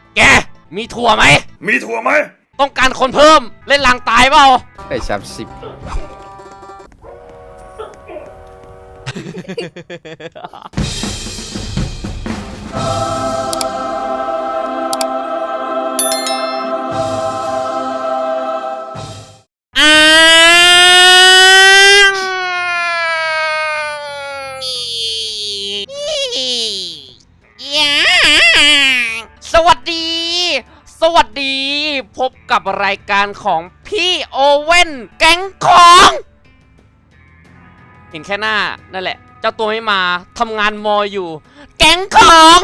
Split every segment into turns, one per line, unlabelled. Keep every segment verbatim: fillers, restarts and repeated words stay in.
แกมีถั่วไหม
มีถั่วไหม
ต้องการคนเพิ่มเล่นลางตายเปล่า
ไอ้สามสิบ
สวัสดีสวัสดีพบกับรายการของพี่โอเว่นแก๊งของเห็นแค่หน้านั่นแหละเจ้าตัวไม่มาทำงานมออยู่แก๊งของ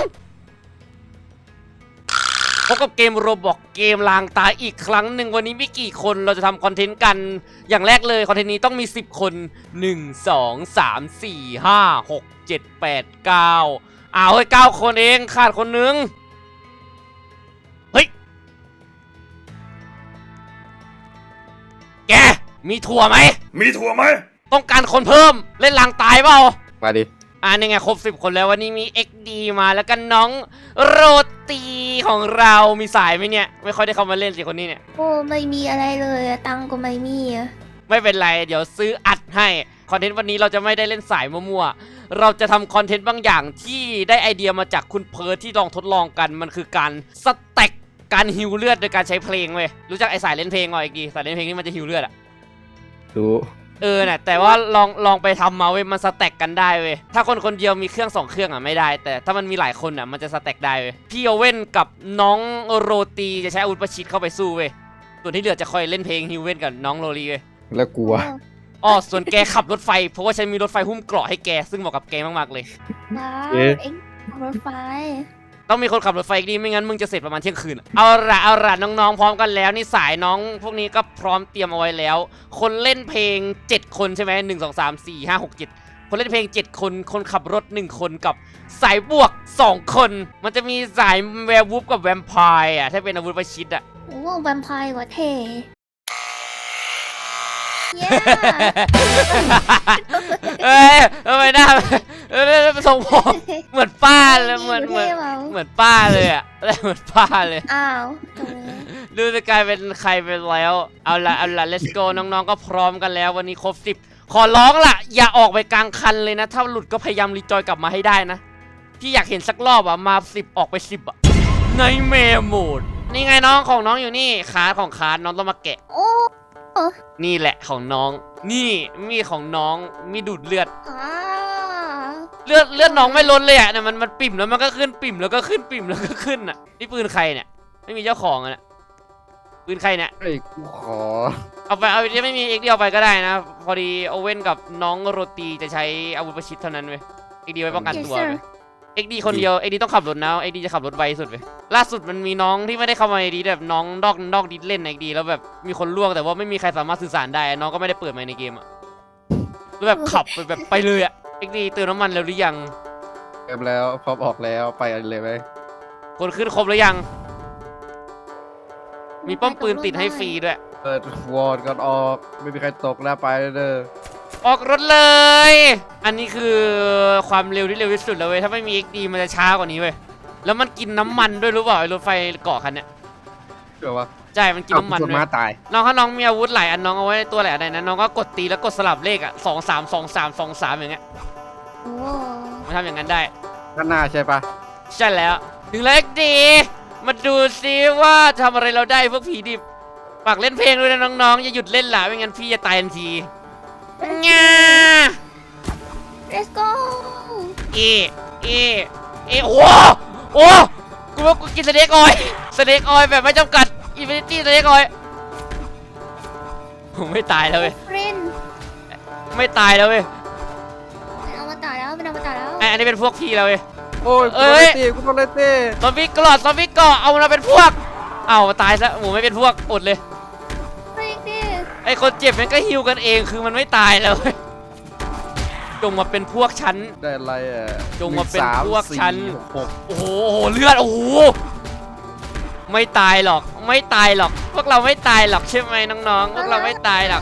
พบกับเกมโรบอกเกมลางตายอีกครั้งหนึ่งวันนี้มีกี่คนเราจะทำคอนเทนต์กันอย่างแรกเลยคอนเทนต์นี้ต้องมีสิบคนหนึ่ง สอง สาม สี่ ห้า หก เจ็ด แปด เก้าอ้าวเฮ้ยเก้าคนเองขาดคนนึงเฮ้ยแกมีถั่วไหม
มีถั่วไหม
ต้องการคนเพิ่มเล่นลางตายเปล่า
มาดิ
อ่านี่ไงครบสิบคนแล้ววันนี้มี เอ็กซ์ ดี มาแล้วก็น้องโรตีของเรามีสายไหมเนี่ยไม่ค่อยได้เข้ามาเล่นสิคนนี้เนี่ย
โอ้ไม่มีอะไรเลยตังก็ไม่มี
ไม่เป็นไรเดี๋ยวซื้ออัดให้คอนเทนต์วันนี้เราจะไม่ได้เล่นสายมั่วๆเราจะทำคอนเทนต์บางอย่างที่ได้ไอเดียมาจากคุณเพิร์ทที่ลองทดลองกันมันคือการสแต็กการฮิวเลือดโดยการใช้เพลงเว้ยรู้จักไอสายเล่นเพลงอ่ะไอ้กีสายเล่นเพลงนี่มันจะฮิวเลือดอะ
รู้
เออเนี่ยแต่ว่าลองลองไปทำมาเว้ยมันสแต็กกันได้เว้ยถ้าคนคนเดียวมีเครื่องสองเครื่องอ่ะไม่ได้แต่ถ้ามันมีหลายคนอ่ะมันจะสแต็กได้เว้ยพี่โอเว่นกับน้องโรตีจะใช้อาวุธประชิดเข้าไปสู้เว้ยส่วนที่เหลือจะคอยเล่นเพลงฮิวเว่นกับน้องโรลีเว้ย
แล้วกลัว
อ๋อส่วนแกขับรถไฟเพราะว่าฉันมีรถไฟหุ้มเกราะให้แกซึ่งเหมาะกับแกมากๆเลย
ว้าวเอ็งรถไฟ
ต้องมีคนขับรถไฟดีไม่งั้นมึงจะเสร็จประมาณเที่ยงคืนเอาละเอาละน้องๆพร้อมกันแล้วนี่สายน้องพวกนี้ก็พร้อมเตรียมเอาไว้แล้วคนเล่นเพลงเจ็ดคนใช่ไหมหนึ่งสองสามสี่ห้าหกเจ็ดคนเล่นเพลงเจ็ดคนคนขับรถหนึ่งคนกับสายบวกสองคนมันจะมีสายแวร์วูฟกับแวมไพร์อ่ะถ้าเป็นอาวุธประชิดอ่ะ
โอ้แวมไพร์กว่าเท่
เอ้ยทำไมหน้าเออทรงผมเหมือนป้าเลยเหมือนเหมือนเหมือนป้าเลยอ่ะเหมือนป้าเลย
อ้าว
ดูจะกลายเป็นใครไปแล้วเอาละเอาละ let's go น้องๆก็พร้อมกันแล้ววันนี้ครบสิบขอร้องล่ะอย่าออกไปกลางคันเลยนะถ้าหลุดก็พยายามรีจอยกลับมาให้ได้นะพี่อยากเห็นสักรอบอ่ะมาสิบออกไปสิบอ่ะในเมโหมดนี่ไงน้องของน้องอยู่นี่ขาของขาน้องต้องมาแกะนี่แหละของน้องนี่มีของน้องมีดูดเลือดเลือดเลือดน้องไม่ล้นเลยอ่ะเนี่ยมันมันปิ่มแล้วมันก็ขึ้นปิ่มแล้วก็ขึ้นปิ่มแล้วก็ขึ้นอ่ะนี่ปืนใครเนี่ยไม่มีเจ้าของอ่ะปืนใครเนี่ย
ไอ้กูขอ
เอาไปเอาไปไม่มีเอ็กดีเอาไปก็ได้นะพอดีโอเว่นกับน้องโรตีจะใช้อาวุธประชิดเท่านั้นเว้ยเอ็กดีไว้ป้องกันตัวเอ็กดีคนเดียวเอ็กดีต้องขับรถนะเอ็กดีจะขับรถไวสุดเลยล่าสุดมันมีน้องที่ไม่ได้เข้ามาในดีแบบน้องดอกดอกดิเล่นในดีแล้วแบบมีคนล่วงแต่ว่าไม่มีใครสามารถสื่อสารได้น้องก็ไม่ได้เปิดไมค์ในเกมอ่ะแล้วแบบขับไปแบบไปเลยอ่ะเอ็กดีเติมน้ำมันแล้วหรือยัง
เติมแล้วพร้อมออกแล้วไปเลยไหม
คนขึ้นครบหรือยังมีป้อมปืนติดให้ฟรีด้วย
เปิดวอร์ดก่อนออกไม่มีใครตกแล้วไปเด้อ
ออกรถเลยอันนี้คือความเร็วที่เร็วที่สุดแล้วเว้ยถ้าไม่มี เอ็กซ์ ดี มันจะช้ากว่านี้เว้ยแล้วมันกินน้ำมันด้วยรู้เปล่าไอ้รถไฟเกาะคันเนี้ย
เชื่อวะ
ใช่มันกินน้ำมัน
ด้วยมาตาย
น้องถ้าน้องมีอาวุธหลายอันน้องเอาไว้ในตัวหลายอันนะน้องก็กดตีแล้วกดสลับเลขอ่ะสองสามสองสามสองสามอย่างเงี้ย
โอ้
มันทำอย่างนั้นได้
ข้างหน้าใช่ปะ
ใช่แล้วถึงแล้ว เอ็กซ์ ดี มาดูซิว่าทำอะไรเราได้พวกผีดิบฝากเล่นเพลงด้วยนะน้องๆอย่าหยุดเล่นล่ะไม่งั้นพี่จะตายทันทีง่า
let's go
เอเอเอโอ้โอ้กูว่ากูกินสเต็กออยสเต็กออยแบบไม่จำกัดอินฟินิตี้สเต็กออยผมไม่ตายแล้วเว้ยไม่ตายแล้วเว้ย
เอามาตายแล้วเป็นเอามาตายแล้ว
อันนี้เป็นพวกพี่แล้วเว้ย
โอ้ยเอ้ยกูโดนเลยตี
ซอมบี้กรอดซอมบี้เกาะเอามาเป็นพวกเอาตายซะหมูไม่เป็นพวกอดเลยไอคนเจ็บมันก็ฮิวกันเองคือมันไม่ตายแล้วจงมาเป็นพวกฉัน
ได้อะไรอ่ะ
จงมาเป็นพวกฉันโอ้โหเลือดโอ้โหไม่ตายหรอกไม่ตายหรอกพวกเราไม่ตายหรอกใช่ไหมน้องๆพวกเราไม่ตายหรอก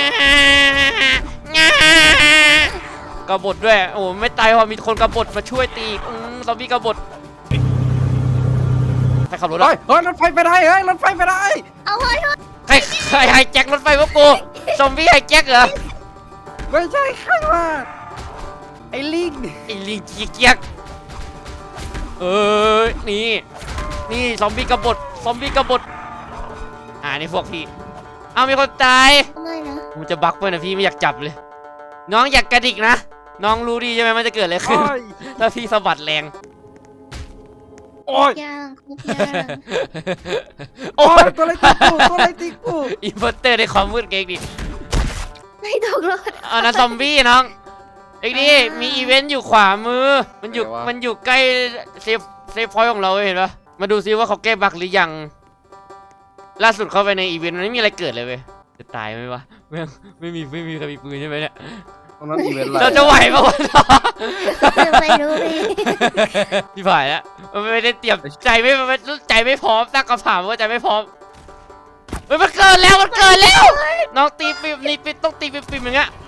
กบฏด้วยโอ้ไม่ตายเพราะมีคนกบฏมาช่วยตีซอมบี้กบฏใครขับรถ
เฮ้
อะ
ยเฮ้ยรถไฟไปได้เฮ้ยรถไฟไปได้
เอาเฮ้ย
ใครใครไฮแจ็ครถไฟพวกกูซอมบี้ไฮแจ็คเหรอ
ไม่ใช่ใครวะไอ้ลิง
ไอ้ลิงขี้เกียจเออนี่นี่ซอมบี้กบฏซอมบี้กบฏอ่านี่พวกพี่เอามีคนตาย
ไม่นะ
มันจะบักไปนะพี่ไม่อยากจับเลย น้องอยากกระดิกนะน้องรู้ดีใช่ไหมมันจะเกิดอะไรขึ้น
โอ้ย
ถ้าพี่สะบัดแรง
โอ้ย
ย่างคุกย่าง
โอ้
โอ้
ย
ยตัวอะไรตีกูตัวอะไรตีกู
อินเวอร์เตอร์ในความมืดเก่งดิ
ไม่ตกรถ
เอานะซอมบี้น้องเอ็กดีมีอีเวนต์อยู่ขวามือ มันอยู่มันอยู่ใกล้เซฟเซฟพอยต์ของเราเห็นปะมาดูซิว่าเขาแก้บั๊กหรือยัง ล่าสุดเข้าไปในอีเวนต์มันไม่มีอะไรเกิดเลยเว้ยจะตายไหมวะไม่ไม่มีไม่มีใครมีปืนใช่ไหมเนี่ย
ตรงนั้นอีเวนต์อะไร
เราจะไหวปะวะ
ไม่รู้พี่
พี่ผ่านแล้วมันไม่ได้เตรียมใจไม่ไม่ใจไม่พร้อมตั้งคำถามว่าใจไม่พร้อมเฮ้ยมันเกินแล้วมันเกินแล้วน้องตีปิมนี่ปิมต้องตีปิมปิมอย่างเงี้ย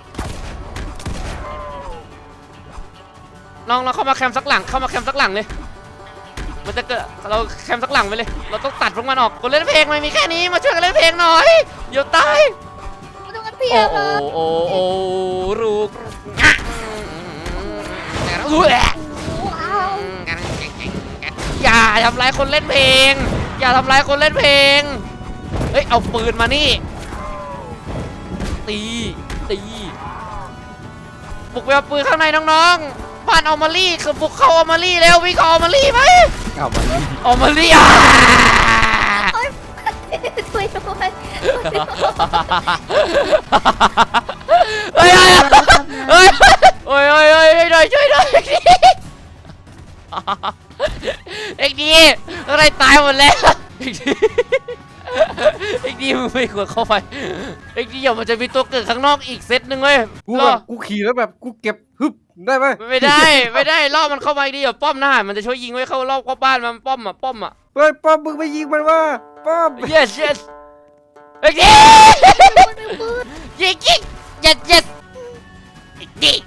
น้องเราเข้ามาแคมป์สักหลังเข้ามาแคมป์สักหลังเลยมันจะเกิดเราแคมป์สักหลังไปเลยเราต้องตัดพวกมันออกคนเล่นเพลงมันมีแค่นี้มาช่วยกันเล่นเพลงหน่อยเดี๋ยวตาย
ไม่ต้องกันเพีย
โอ้
บ
โอ้
เลย
โอ้โอ้รูกอุ๊ย
ว้าว
อย่าทำร้ายคนเล่นเพลง อย่าทำร้ายคนเล่นเพลงเฮ้ยเอาปืนมานี่ตีตีบุกไปเอาปืนข้างในน้องๆบ้านออมารี่คือบุกเข้าออมารี่แล้ววิ่งเข้าออมารี่ไหม
เอามาดิ
ออมารี่อ่ะ
ช่วยด้วย
เฮ้ยเฮ้ยเฮ้ยเฮ้ยเฮ้ยช่วยหน่อยช่วยหน่อยเอ็กดีอะไรตายหมดแล้วเอ็กดีเอ็กดีมึงไม่ควรเข้าไปเอ็กดีเดี๋ยวมันจะมีตัวเกิดข้างนอกอีกเซตหนึ่งเว้ย
กู
ร
แบ
อบ
กูขี่แล้วแบบกูเก็บฮึบได้ไหม
ไม่ได้ไม่ได้รอบมันเข้ามาอีกดีเดี๋ยวป้อมหน้ามันจะช่วยยิงไว้เข้ารอบเข้าบ้านมันป้อมอ่ะป้อมอ่ะ
เฮ้ยป้อมมึงไปยิงมันว่าป้อม
yes yes เอ็กดียิงยิง yes yes เอ็กดี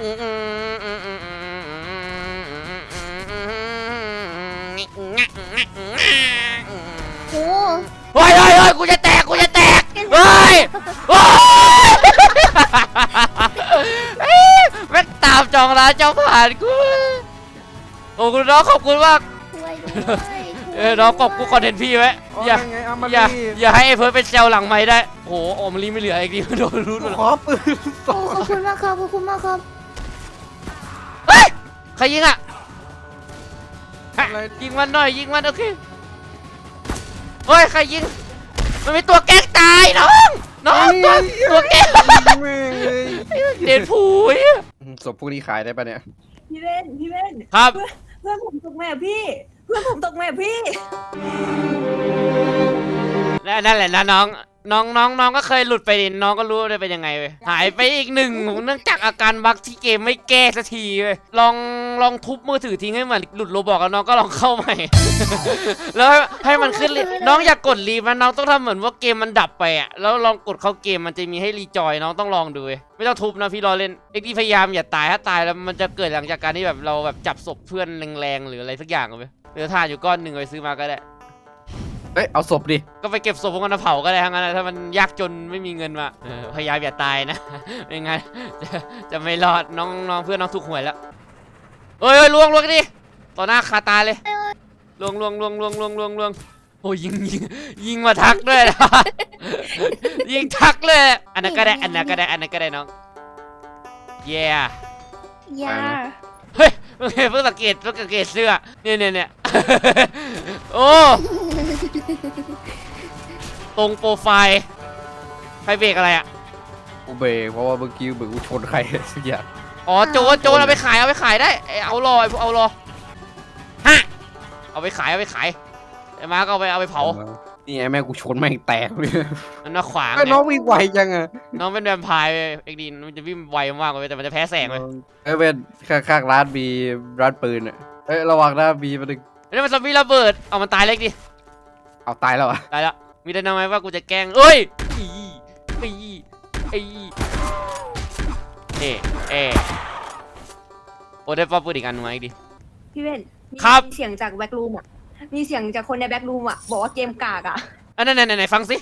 โอ้
เฮ้ยเฮ้ยเฮ้ยกูจะแตกกูจะแตกเฮ้ยโอ้ยแม่งตามจองร้านเจ้าผ่านกูโอ้คุณน้องขอบคุณมาก
ช่วยด้วย
เออน้องขอบกูคอนเทนต์พี่ไว้
เอา
อย่า
ไงเอามา
อย่า
ดิ
อย่าให้ไอ้เพิร์ดเป็นเซลล์หลังไม้ได้โอ้โหโอมลีไม่เหลือไอ้ดีโดนรู้หมด
ขอปืนส
โอ้
อง
ขอบคุณมากครับขอบคุณมากครับ
เฮ้ยใครยิงอ่ะ
อะไร
ยิงมันหน่อยยิงมันโอเคเฮ้ยใครยิงมันมีตัวแกล้งตายน้องน้องตัวตัวแกล้ง
แม่งเลย
เด่นผูย
ศพพวกนี้ขายได้ปะเนี่ย
พี่เล่นพี่เล่น
ครับ
เพื่อนเพื่อนผมตกแม่พี่ เพื่อนผมตกแม่พี่
และนั่นแหละนะน้องน้องน้องน้องก็เคยหลุดไปดิน้องก็รู้ว่าจะเป็นยังไงเว้ยหายไปอีกหนึ่งเนื่องจากอาการบั๊กที่เกมไม่แก้สักทีเว้ยลองลองทุบมือถือทิ้งให้เหมือนหลุดโรบอกแล้วน้องก็ลองเข้าใหม่ แล้วให้ให้มันขึ้นรีน้องอย่ากดรีมันน้องต้องทำเหมือนว่าเกมมันดับไปอ่ะแล้วลองกดเข้าเกมมันจะมีให้รีจอยน้องต้องลองดูเว้ยไม่ต้องทุบนะพี่รอเล่นเอ็กซ์พยายามอย่าตายถ้าตายแล้วมันจะเกิดหลังจากการที่แบบเราแบบจับศพเพื่อนแรงๆหรืออะไรสักอย่างเอาไปเหลือทานอยู่ก้อนหนึ่งไปซื้อมาก็ได้
เฮ้ยเอาศพดิ
ก็ไปเก็บศพพวกนั้นมาเผาก็ได้ทั้งนั้นนะถ้ามันยากจนไม่มีเงินมาเออพยายามอย่าตายนะ ไม่งั้นจะจะไม่รอดน้องน้องเพื่อนน้องถูกหวยแล้วเอ้ยเอ้ยลวงลวงดิต่อหน้าคาตาเลยลวงลวงลวงลวงลวงลวงลวงโอ้ยยิงยิงยิงมาทักด้วยนะ ยิงทักเลยอันนั้นก็ได้อันนั้นก็ได้อันนั้นก็ได้น้องเย้
ยา
เฮ้ยเพิ่งเพิ่งสังเกตเพิ่งสังเกตเสื้อเนี่ยเนี่ยเนี่ย โอ้ตรงโปรไฟล์ไฟเบรกอะไรอ่ะ
กูเบรกเพราะว่าเมื่อกี้เหมือนกูชนใครสักอย่าง
อ๋อโจรโจรเอาไปขายเอาไปขายได้ไอ้เอารอไอ้พวกเอารอฮะเอาไปขายเอาไปขายไอ้มาก็เอาไปเอาไปเผา
นี่ไอ้แม่กูชนแม่งแตกเลย
มันมาขวาง
ไอ้
ไง
น้องวิ่งไวจังอะ
น้องเป็นแวมไพร์เว้ยเอ็กดีนมันจะวิ่งไวมากเลยแต่มันจะแพ้แสงเลย
ไอ้เป็นข้างๆร้านมีร้านปืนอะเอ้ยระวังนะมีมันง
นี่มันซอมบี้ระเบิดเอามันตายเล็กดิ
เอาตายแล้วอะ
ตายแล้วมีแต่นำไหมว่ากูจะแกล้งเอ้ยอีอีอีเอะเอะโอ้ได้ป้อมปืนอีกอันมาอีกดิ
พี่เล่นมี
ครับ
เสียงจากแว็กรูมอ่ะมีเสียงจากคนในแบ็กรูมอ่ะบอกว่าเกมกากอ่ะ
อันนั้นไหนไหนฟังสิ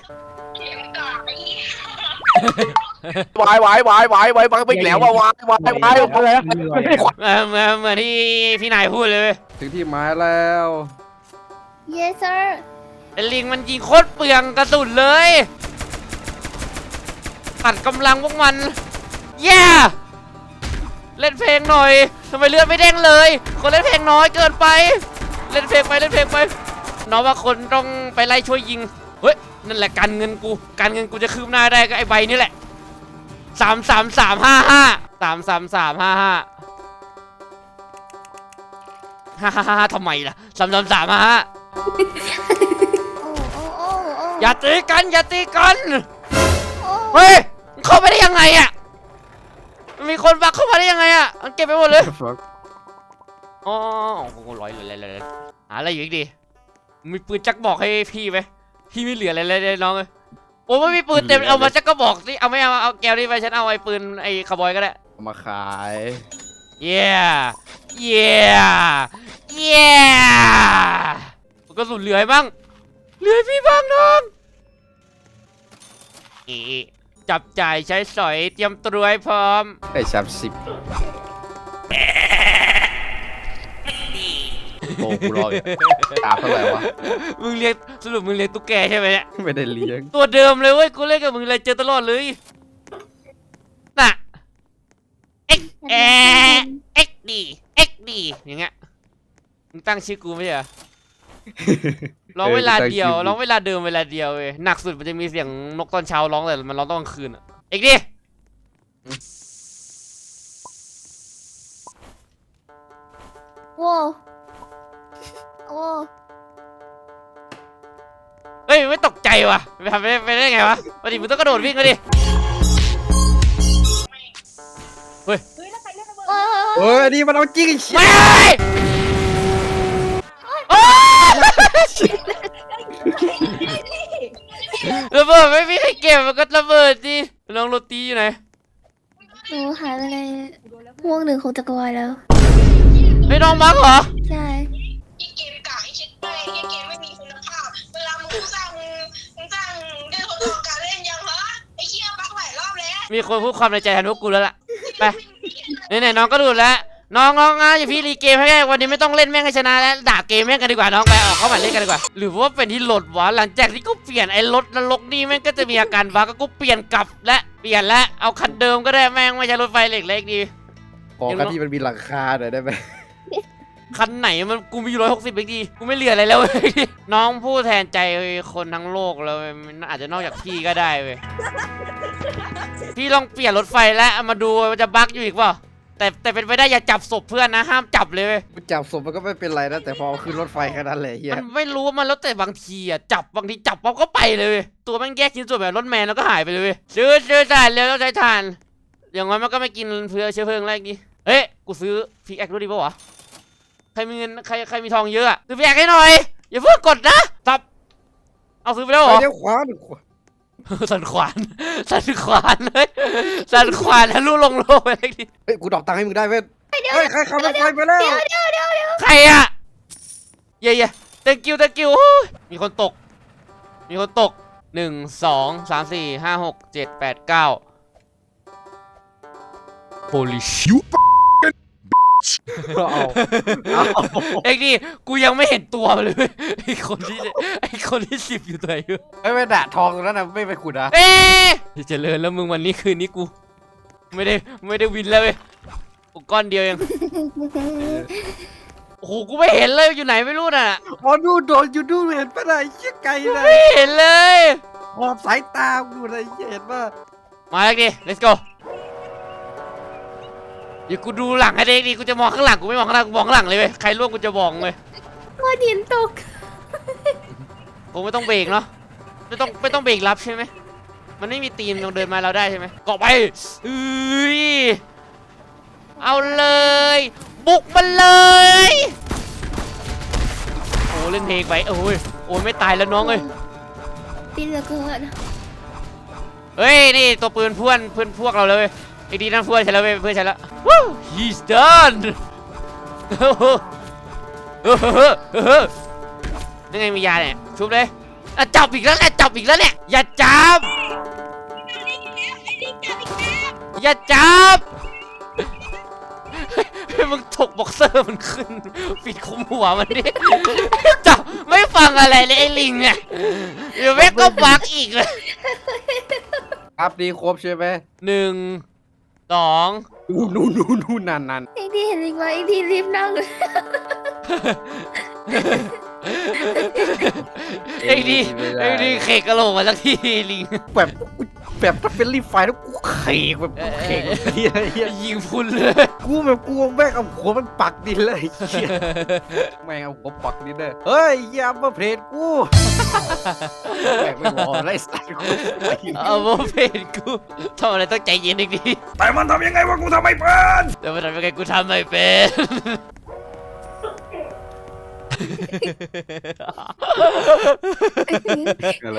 วายวายวายวายวายบังไปอีกแล้วว่าวายวายวายอะไรนะไม่ได้ขวัญ
เออเหมือนเหมือนที่พี่นายพูดเลยเว้ย
ถึงที่หมายแล้ว
yes sir
ไอ้ลิงมันยิงโคตรเปลืองกระสุนเลยตัดกำลังพวกมันแย่เล่นเพลงหน่อยทำไมเลือดไม่เด้งเลย คนเล่นเพลงน้อยเกินไป เล่นเพลงไปเล่นเพลงไปน้องว่าคนต้องไปไล่ช่วยยิงเฮ้ยนั่นแหละการเงินกูการเงินกูจะคืบหน้าได้ก็ไอ้ใบนี่แหละสามสามสามห้าห้าสามสามสามห้าห้าฮ่าฮ่าฮ่าทำไมล่ะสามสามสามห้าห้า
โอ้โอ้โอ้โอ้
อย่าตีกันอย่าตีกัน
โอ้
เฮ้ยมันเข้าไปได้ยังไงอ่ะมันมีคนบักเข้ามาได้ยังไงอ่ะมันเก็บไปหมดเลยอ๋อโอ้โหร้อยเลยเลยเลยหาอะไรอยู่อีกดิมีปืนจักบอกให้พี่ไหมพี่ไม่เหลืออะไรเลยน้องเลยโอ้ไม่มีปืนเต็มเอามาจักก็บอกสิเอาไม่เอาเอาแก้วนี่ไปฉันเอาไอ้ปืนไอ้คาร์บอยก็ได้
เอามาขาย
เย้เย้เย้มันก็สุดเหลือให้บ้างเหลือให้พี่บ้างน้องอีจับจ่ายใช้สอยเตรียมตัวให้พร้อม
ได้สามสิบโอ้กูรออยู่ตามเท่าไหร่วะ
มึงเลี้ยงสรุปมึงเลี้ยงตุ๊กแกใช่ไหมเนี่ย
ไม่ได้เลี้ยง
ตัวเดิมเลยเว้ยกูเล่นกับมึงเลยเจอตลอดเลยน่ะเอ็กเอเอ็กดีเอ็กดีอย่างเงี้ยมึงตั้งชื่อกูไม่ใช่เหรอร้องเวลาเดียวร้องเวลาเดิมเวลาเดียวเว้ยหนักสุดมันจะมีเสียงนกตอนเช้าร้องแต่มันร้องตอนกลางคืนอ่ะเอ็กดี
โว้โอ้
เฮ้ยไม่ตกใจว่ะไปทำไปได้ไปได้ไงวะปกติมึงต้องกระโดดวิ่งเลยดิ
เฮ้ยแล้วใครเล่นระเบิด
โอ้
เฮ้ยอันนี่มันเอาจริงไอ้เชี่ย
ไม่โอ้ระเบิดไม่มีใครเก็บมันก็ระเบิดดิน้องโรตีอยู่ไหน
หนูหายไปในห่วงหนึ่งของจักรวาลแล้ว
ไอ้น้องบักเหรอ
ใช่
ยี่เกมกากไอ้ชิดไปยี่เกมไม่มีคุณภาพ เวลามึงสร้างมึงมึงสร้างได้ทดลองการเล่นยังเหรอไอ้เชี่ยบักหลายรอบแล้ว
มีคนพูดความในใจแทนพวกกูแล้วล่ะไปไหนๆน้องก็ดูแล้วน้องน้องนะอย่าพี่รีเกมให้ได้วันนี้ไม่ต้องเล่นแม่งให้ชนะแล้วด่าเกมแม่งกันดีกว่าน้องไปออกเข้ามาเล่นกันดีกว่าหรือว่าเป็นที่โหลดวะหลังจากที่กูเปลี่ยนไอ้รถนรกนี่แม่งก็จะมีอาการบักก็กูเปลี่ยนกลับและเปลี่ยนและเอาคันเดิมก็ได้แม่งไม่ใช่รถไฟเหล็กเล็กดี
ขอคันที่มันมีหลังคาหน่อยได้ไหม
คันไหนมันกูมีร้อยหกสิบเองดีกูไม่เหลืออะไรแล้วเว้ยน้องพูดแทนใจคนทั้งโลกแล้วเว้ยมันอาจจะนอกจากพี่ก็ได้เว้ยพี่ลองเปลี่ยนรถไฟแล้วเอามาดูมันจะบั๊กอยู่อีกเปล่าแต่แต่เป็นไปได้อย่าจับศพเพื่อนนะห้ามจับเลยเว้ย
มันจับศพมันก็ไม่เป็นไรนะแต่พอขึ้นรถไฟแค่นั้นแหละเฮีย
มันไม่รู้ว่ามันแล้วแต่บางทีอ่ะจับบางทีจับปั๊บก็ไปเลยเว้ยตัวแม่งแยกชิ้นส่วนแบบรถแมนแล้วก็หายไปเลยเว้ยซื้อซื้อถ่านเร็วต้องใช้ถ่านอย่างน้อยมันก็ไม่กินเพื่อเชื้อเพลิงแรกนี้เฮ้ยกูซื้อพิกแอครู้ดีป่าวะใครมีเงินใครใครมีทองเยอะอะซื้อพิกแอคให้หน่อยอย่าเพิ่งกดนะตับเอาซื้อไปแล้วเหร
ไป
อ
เลี้ยวขวาหนึ่งขวา
สันขวานสันขวานเลยสันขวานทะลุลงโลกไปเลยดิ
เฮ้ยกูดอกตังค์ให้มึงได้เว้ยเฮ้ยใครขับรถไฟไปแล้ว
ใครอะเย่เย่ thank you thank you โอ้ยมีคนตกมีคนตกหนึ่งสองสามสี่ห้าหกเจ็ดแปดเก้า holy shit
เอาเอา
เอ็กดิกูยังไม่เห็นตัวมันเลยไอ้คนที่ไอ้คนที่สิบอยู่ตัวไหนอยู่
เฮ้ยไม่ด่าทองตรงนั้นนะไม่ไปขุดนะ
เอ๊ะเจริญแล้วมึงวันนี้คืนนี้กูไม่ได้ไม่ได้วินแล้วเว้ยกูก้อนเดียวเองโอ้โหกูไม่เห็นเลยอยู่ไหนไม่รู้น่ะ
อ๋อดูโดนอยู่ดูเห็นปะไหนเชี่ยไกลเลย
ไม่เห็นเลย
ขอบสายตาดูอะไรเห็นป่ะ
มาเอ็กดิ let's go เดี๋ยวกูดูหลังให้เด็กดิกูจะมองข้างหลังกูไม่มองข้างหน้ากูมองข้างหลังเลยเว้ยใครล่วงกูจะบอกเลย
ก้อนหินตก
กูไม่ต้องเบรกเนาะไม่ต้องไม่ต้องเบรกรับใช่ไหมมันไม่มีตีนตรงเดินมาเราได้ใช่ไหมเกาะไปเอ้ยเอาเลยบุกมันเลยโอ้เล่นเพลงไปโอ้ยโอ้ยไม่ตายแล้วน้องเอ้ย
ตีเหลือเกิน
เฮ้ยนี่ตัวปืนเพื่อนเพื่อนพวกเราเลยไอ้ดีนั่นเพื่อนฉันแล้วเว้ยเพื่อนฉันแล้ว Woo he's done โอ้ยังไงมียาเนี่ยชุบเลยอ่ะจับอีกแล้วแหละจับอีกแล้วเนี่ยอย่าจับอย่าจับมึงถกบ็อกเซอร์มันขึ้นปิดคุมหัวมันดิจับไม่ฟังอะไรเลยไอ้ลิงเนี่ยเดี๋ยวแม่งก็บักอีกเลย
อัพดีครบใช่ไหม
หนึ่งสอง
นู่นนู่นนู่นนู่นนั่นนั่น
อีกทีเห็นอีกไหมอีกทีรีบนั่งเลย
ไอ้ดีไอ้ดีเขกกระโหลกมาสักทีลิง
แบบแบบถ้าเป็นรีไฟแล้วกูเขกแบบเขกเฮียเฮีย
ยิงพุ่นเลย
กูแบบกูแม่งเอาหัวมันปักดินเลยเฮียแม่งเอาหัวปักดินเลยเฮ้ยอย่ามาเพลทกูแม่งไม่รอไล่สัตว์กู
เอาโมเพนกูทำอะไรต้องใจเย็นอีกดี
แต่มันทำยังไงวะกูทำไม่เป็น
แต่มันทำยังไงกูทำไม่เป็น
อะไร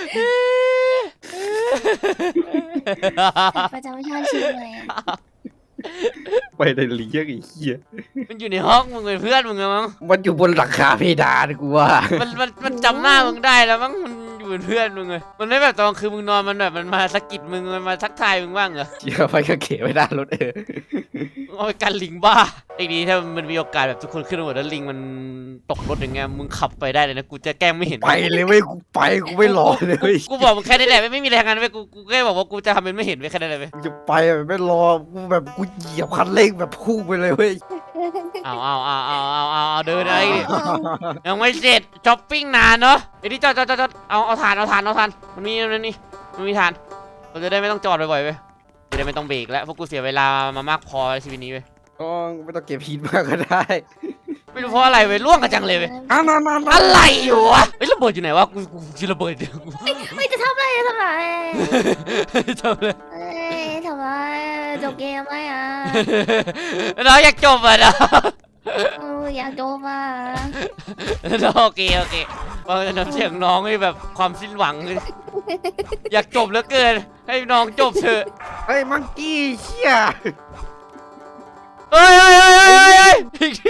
ประจำชาติชื่ออะไรอะ
ไปได้เลี้ยงไอ้เหี้ย
มันอยู่ในห้องมึงเป็นเพื่อนมึงอะมั้ง
มันอยู่บนหลังคาเพดานกูว่า
มันมันมันจำหน้ามึงได้แล้วมั้งมันอยู่เป็นเพื่อนมึงเลยมันไม่แบบตอนคืนมึงนอนมันแบบมันมาสะกิดมึงมันมาทักทายมึงบ้างเหรอ
เชี่ยไปก็เขไปได้รถเออ
เอาไปกันลิงบ้าไอ้ดีถ้ามันมีโอกาสแบบทุกคนขึ้นมาหมดแล้วลิงมันตกรถอย่างเงี้ยมึงขับไปได้เลยนะกูจะแกล้งไม่เห็น
ไปเลยเว้ยกูไปกูไม่รอเลยเว้ย
กูบอกมึงแค่นี้แหละไม่ไม่มีอะไรทางนั้นเว้ยกูกูแค่บอกว่ากูจะทำเป็นไม่เห็นเว้ยแค่นั้นเลยเว้ย
กูจะไปแบบไม่รอกูแบบกูเหยียบคันเร่งแบบพุ่งไปเลยเว้ย
เอาเอาเอาเอาเอาเอาเอาเดินไอ้ดิยังไม่เสร็จช้อปปิ้งนานเนาะไอ้นี่จอดจอดจอดเอาเอาถ่านเอาถ่านเอาถ่านมันมีมันนี่มันมีถ่านเราจะได้ไม่ต้องจอดบ่อยๆเว้ยจะได้ไม่ต้องเบรกแล้วเพราะกูเสียเวลามามากพอในชีวิตนี้เว้ย
ก็ไม่ต้องเก็บหินมากก็ได้
ไม่รู้เพราะอะไรเว้ยล่วงกันจังเลยเว้ย
อ่ะมามามา
อะไรอยู่วะเฮ้ยระเบิดอยู่ไหนวะกูกูกูระเบิดเดี๋ยวกู
ไม่จะทำอะไรจะทำอะไร
ทำเลย
เอ้ยทำอะไรจบเกมไหมอ่ะ
น้องอยากจบอ่ะนะ
เอออยากจบอ่ะ
น้องโอเคโอเคฟังจากน้ำเสียงน้องนี่แบบความสิ้นหวังเลยอยากจบเหลือเกินให้น้องจบเถอะ
เฮ้ยมังกี้เชี่ย
เฮ้ยเฮ้ยเฮ้ยเฮ้ยเฮ้ย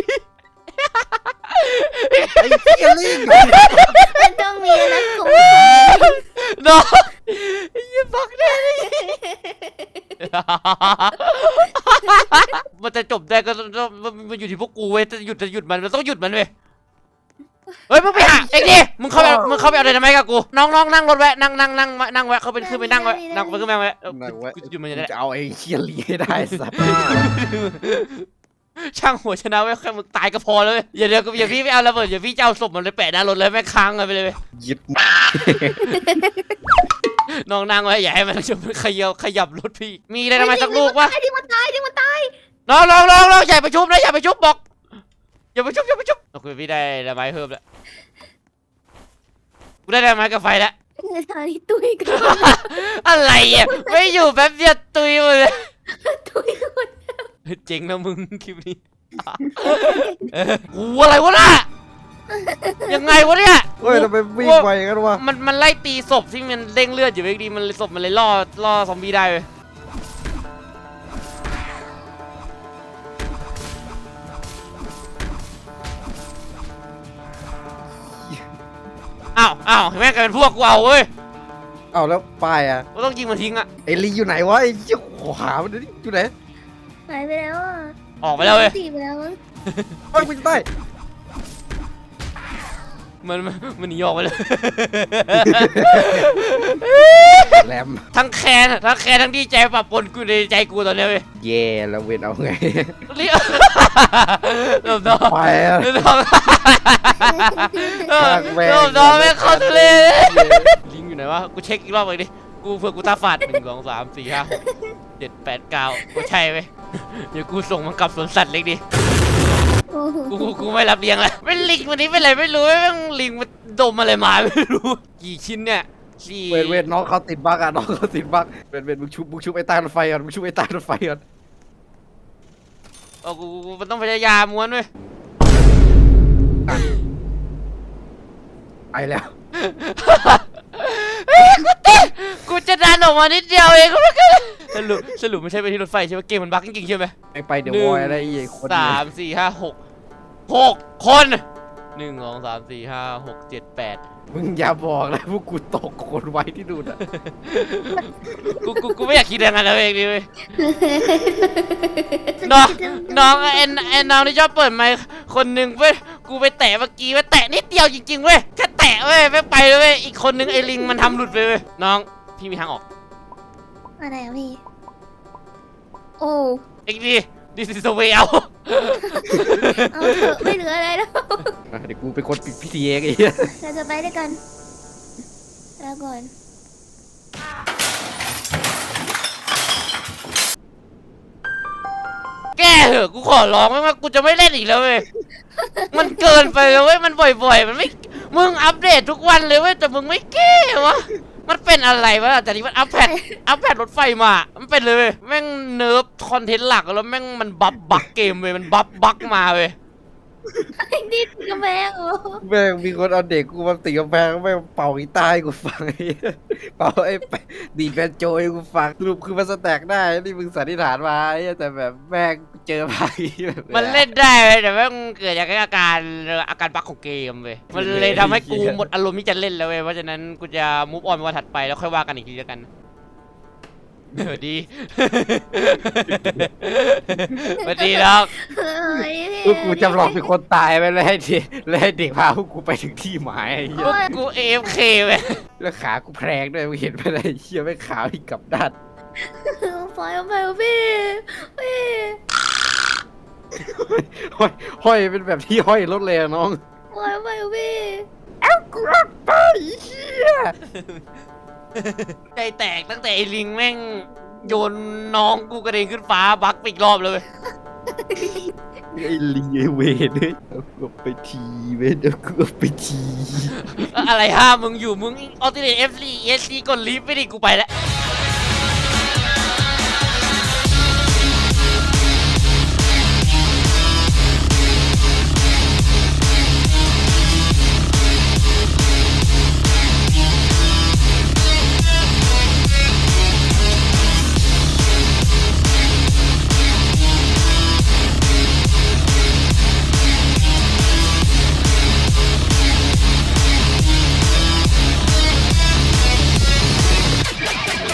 ไอ้เชี่ยลิง
มันต้องมีนะกู
น้องอย่าบักได้มันจะจบได้ก็ต้องมันอยู่ที่พวกกูเว้ยจะหยุดจะหยุดมันเราต้องหยุดมันเว้ยเฮ้ยมึงไปหาเอ็กดิมึงเข้าไปมึงเข้าไปเอาอะไรทำไมกับกูน้องน้องนั่งรถแวะนั่งนั่งนั่งนั่งแวะเขาเป็นขึ้นไปนั่งแวะนั่งไปขึ้นไปแวะกูจะหยุดมันจะได้
จะเอาไอ้เชี่ยลิงให้ได้สัตว์
ช่างหัวชนะไว้แค่มึงตายก็พอแล้วเว้ยอย่าเดี๋ยวอย่าพี่ไปเอาระเบิดอย่าพี่จะเอาศพมันเลยแปะหน้ารถเลยแม่งค้างกันไปเลยเว้ย
ยึด
น้องนั่งไว้อย่าให้มันจะขยับขยับรถพี่มีอะไรทำไมสักลูกวะ
ไอ้ที่มันตายที่มันตาย
น้องน้องน้องน้องอย่าไปชุบนะอย่าไปชุบบอกอย่าไปชุบอย่าไปชุบโอเคพี่ได้ระไม้เพิ่มแล้วกูได้ระไม้กับไฟแล้ว
ทางนี้ตุยกัน
อะไรอ่ะไม่อยู่แป๊บเดียวตุยหมดเลย
ตุยกัน
เจ๋งนะมึงคลิปนี้กูอะไรวะน่ะยังไงวะเนี่ย
เฮ้ยทำไมวิ่งไวกันวะ
มันมันไล่ตีศพที่มันเด้งเลือดอยู่เว้ยดีมันเลยศพมันเลยล่อล่อซอมบี้ได้เว้ยอ้าวอ้าวเห็นไหมกลายเป็นพวกกูเอาเว้ย
เอาแล้วป้ายอ่ะ
ก็ต้องยิงมันทิ้งอะ
ไอ้ลิงอยู่ไหนวะไอ้เชี่ยขวามันดิอยู่ไหน
หายไปแล้วอ่ะ
ออกไปแล้วเว้ย
ตีไปแล้วมั้ง
เฮ้ยกูจะตาย
มันมันมันหนีออกไปเลย
แรม
ทั้งแค้นทั้งแค้นทั้งดีใจปะปนกูในใจกูตอนเนี้ยเว้ย
เย่แล้วเวนเอาไง
เรียกเริ่มน้อง
ไปอะ
เริ่มน้องเริ่มน้องไม่เข้าทะเลลิงอยู่ไหนวะกูเช็คอีกรอบเลยดิกูเพื่อกูตาฝาดหนึ่งสองสามสี่ห้าหกเจ็ดแปดเก้ากูใช่เว้ยเดี๋ยวกูส่งมันกลับสวนสัตว์เล็กดิ
โอ้โห
กูกูไม่รับเลี้ยงเลยไม่ลิงวันนี้เป็นไรไม่รู้ไม่งลิงมันดมอะไรมาไม่รู้กี่ชิ้นเนี่ยสี่
เวนเวนน้องเขาติดบั๊กอ่ะน้องเขาติดบั๊กเวนเวนมึงชุบมึงชุบไอ้ใต้รถไฟก่อนมึงชุบไอ้ใต้รถไฟก่อน
โอ้กูกูมันต้องพยายามม้วนเว้ย
ไปแล้ว
เฮ้ยกูติดกูจะดันออกมานิดเดียวเองก็ไม่เกินสรุปสรุปไม่ใช่ไปที่รถไฟใช่ไหมเกมมันบั๊กจริงๆใช่ไหม
ไอ้ไปเดี๋ยววอยอะไรไอ้คน
สามสี่ห้าหกหกคนหนึ่งสองสามสี่ห้าหกเจ็ดแปด
มึงอย่าบอกนะพวกกูตกคนไว้ที่นู่นอะ
กูกูกูไม่อยากคิดอย่างนั้นเลยเองดิเว้ย น้องน้องไอ้ไอ้น้องที่ชอบเปิดไมค์คนหนึ่งเว้ยกูไปแตะเมื่อกี้เว้ยแตะนิดเดียวจริงๆเว้ยแค่แตะเว้ยไม่ไปเลยเว้ยอีกคนนึงไอ้ลิงมันทำหลุดไปเว้ยน้องพี่มีทางออก
อะไรอะพี่ โอ้
เอ็กดีดิสโซเวเอา
เอาเถอะไม่เหลืออะไรแล้ว
อ่ะเดี๋ยวกูเป็นคนปิดพิธีเองไอ้เหี้ย
เราจะไปด้วยกันแล้วก่อน
แก้เหอะกูขอร้องไม่ว่ากูจะไม่เล่นอีกแล้วเว้ยมันเกินไปแล้วเว้ยมันบ่อยๆมันไม่มึงอัปเดตทุกวันเลยเว้ยแต่มึงไม่แก้วะมันเป็นอะไรวะแต่นี่มันอัปแพดอัปแพดรถไฟมามันเป็นเลยเว้ยแม่งเนิร์ฟคอนเทนต์หลักแล้วแม่งมันบัฟบักเกมเว้ยมันบัฟบักมาเว้ย
ไอ้นี่กระแพงเหรอ
แม่งมีคนเอาเด็กกูมาตีกำแพงแม่งเป่ากีตาร์ให้กูฟังไอ้เหี้ยเป่าไอ้ไปดีดแบนโจให้กูฟังสรุปคือมันสแต็กได้นี่มึงสันนิษฐานมาไอ้เหี้ยแต่แบบแม่งเจอมาอีแบบ
มันเล่นได้เว้ยแต่แม่งเกิดจากอาการอาการบักของเกมเว้ยมันเลยทำให้กูหมดอารมณ์ที่จะเล่นแล้วเว้ยเพราะฉะนั้นกูจะมูฟออนวันถัดไปแล้วค่อยว่ากันอีกทีแล้วกันสวัสดี สวัสดีน้อง
เฮ้ย
พวกกูจำลองเป็นคนตายไปแล้วให้เด็กแล้วให้เด็กพาพวกกูไปถึงที่หมายไอ้เหี้
พ
ยว
กกูเอฟเคเว้ย
แล้วขากูแพรงด้วยมึงเห็นไหมไอ้เหี้ยไม่งขาวอีกกลับด้าน
ปล่อยไปพี่พี่
ห้อยห้อยเป็นแบบที่ห้อยรถเลยอะน้อง
ปล่อยไปพี่
เอ้ากูรถไปเหี้ย
ใจแตกตั้งแต่ไอ้ลิงแม่งโยนน้องกูกระเด็นขึ้นฟ้าบักไปอีกรอบเลยเว้ย
ไอ้ลีไอ้เวรเฮ้ยเอากูไปทีเว้ยเอากูไปที
อะไรห้ามมึงอยู่มึงออติเนตเอฟซีเอสซีกดลิฟต์ไปดิกูไปแล้ว